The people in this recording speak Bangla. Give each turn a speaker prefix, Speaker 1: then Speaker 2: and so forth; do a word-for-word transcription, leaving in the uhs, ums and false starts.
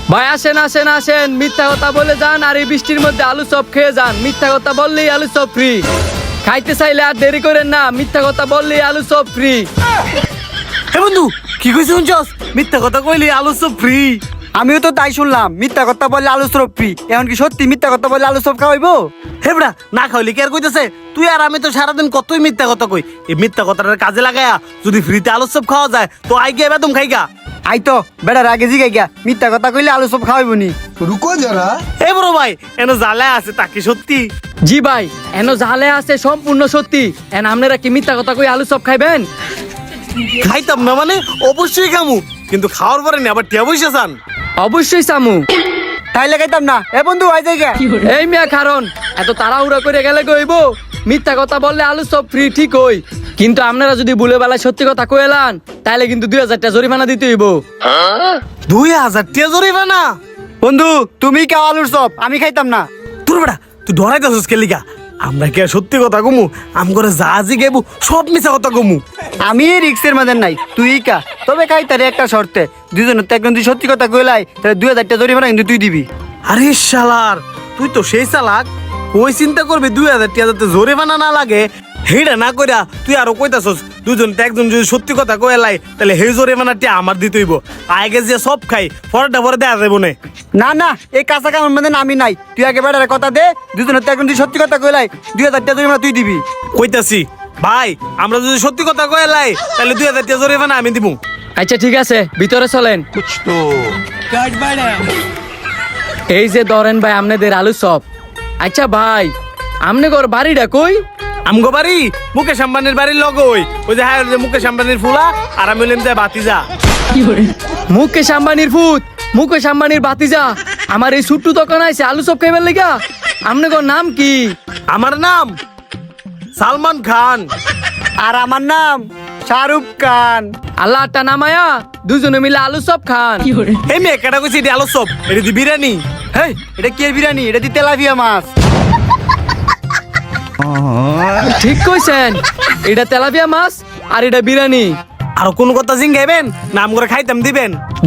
Speaker 1: ভাই আসেন আসেন আসেন, মিথ্যা কথা বলে যান আর এই বৃষ্টির মধ্যে আলু চপ খেয়ে যান। মিথ্যা কথা বললেই আলু চপ ফ্রি। খাইতে চাইলে আর দেরি করেন না, মিথ্যা কথা বললেই আলু চপ ফ্রি।
Speaker 2: হে বন্ধু, কি কইছিস শুনছস? মিথ্যা কথা কইলি আলু চপ ফ্রি।
Speaker 3: আমিও তো তাই শুনলাম, মিথ্যা কথা বললে আলু চপ ফ্রি। এখন কি সত্যি মিথ্যা কথা বললে আলু চপ খাওয়াইবো?
Speaker 2: হে বড়া, না খাইলি কি আর কইতেছে? তুই আর আমি তো সারাদিন কতই মিথ্যা কথা কই। এই মিথ্যা কথাটার কাজে লাগায়া যদি ফ্রিতে আলু চপ খাওয়া যায় তো আই গিয়ে বেদম খাইগা।
Speaker 3: আই তো বেড়ার আগে জিগাই গিয়া, মিথ্যা কথা কইলে আলু চপ খাওয়াইবো নি?
Speaker 4: रुको जरा।
Speaker 2: এ বড় ভাই, এনে জ্বালা আছে তা কি সত্যি?
Speaker 1: জি ভাই, এন জালে আছে সম্পূর্ণ সত্যি। এন আপনারা কি মিথ্যা কথা কই আলু চপ খাইবেন?
Speaker 2: খাইতাম না মানে অবশ্যই খামু, কিন্তু খাওয়ার পরে নি আবার টিয়া পয়সা চান।
Speaker 1: অবশ্যই সামু।
Speaker 3: তাইলে খাইতাম না। এ বন্ধু আই যাই গিয়া।
Speaker 1: এই মিয়া কারণ এত তাড়াহুড়া করে গেলে কইব মিথ্যা কথা বললে আলু চপ ফ্রি ঠিক হই, কিন্তু আপনারা যদি ভুলে বেলায় সত্যি কথা কইলান তাইলে কিন্তু দুই হাজার টাকা জরিমানা দিতে হইব।
Speaker 2: দুই হাজার টিয়া জরিমানা?
Speaker 3: বন্ধু তুমি খাও আলুর চপ, আমি খাইতাম না।
Speaker 2: তোর বেটা তুই ডরাইতেছিস কে লিগা? আমরা কি আর সত্যি কথা কমু? আম করে যা জি গেবু সব মিছা কথা কমু।
Speaker 3: আমি এই রিক্সের মধ্যে নাই, তুই কা। তবে খাই তারে একটা শর্তে, দুজনের তো একজন তুই সত্যি কথা কইলাই তাহলে দুই হাজার টাকা জরিমানা কিন্তু তুই দিবি।
Speaker 2: আরে শালার, তুই তো সেই চালাক। ওই চিন্তা করবি দুই হাজার টিয়া যাতে জরিমানা না লাগে, হেইটা না কইরা তুই আরো কইতাছস দুজন তো একজন যদি সত্যি কথা কইলাই তাহলে সেই জরিমানা টিয়া আমার দিতে হইব। আগে যে সব খাই পরেরটা পরে দেয়া যাবো না।
Speaker 3: না না, এই কাঁচা কামের মধ্যে আমি নাই। তুই আগে বেড়ার কথা দে, দুজনের তো একজন তুই সত্যি কথা কইলাই দুই হাজার টাকা জরিমানা তুই দিবি।
Speaker 2: কইতাছি ভাই, আমরা যদি সত্যি কথা কইলাই তাহলে দুই হাজার টিয়া জরিমানা আমি দিব।
Speaker 1: আচ্ছা ঠিক আছে, ভিতরে চলেন।
Speaker 4: कुछ तो
Speaker 1: এই যে ধরেন ভাই আপনাদের আলু চপ। আচ্ছা ভাই, আমনে ঘর বাড়িটা কই?
Speaker 2: আমগো বাড়ি মুকেশ আম্বানির বাড়ির লগে ওই ওই যে হ্যাঁ মুকেশ আম্বানির ফুলা আর আমি হইলাম যে বাতিজা।
Speaker 1: মুকেশ আম্বানির ফুত, মুকেশ আম্বানির বাতিজা আমার এই ছোট্ট দোকান আছে আলু চপ খাইবার লেগা। আমনে ঘর নাম কি?
Speaker 2: আমার নাম সালমান খান।
Speaker 3: আর আমার নাম শাহরুখ খান।
Speaker 1: আল্লাহ আটটা নামায়া দুজনে মিলে আলু চপ খান।
Speaker 2: এই মেয়ে কেটা কইছি এটি আলু চপ, এটি দি বিরিয়ানি।
Speaker 3: হেই, এটা কি এর বিরিয়ানি? এটা দি তেলাপিয়া মাছ।
Speaker 1: ঠিক কইছেন, এটা তেলাপিয়া মাছ আর এটা বিরিয়ানি।
Speaker 2: আর কোন কথা জিঙ্গাইবেন নাম করে খাইতাম দিবেন।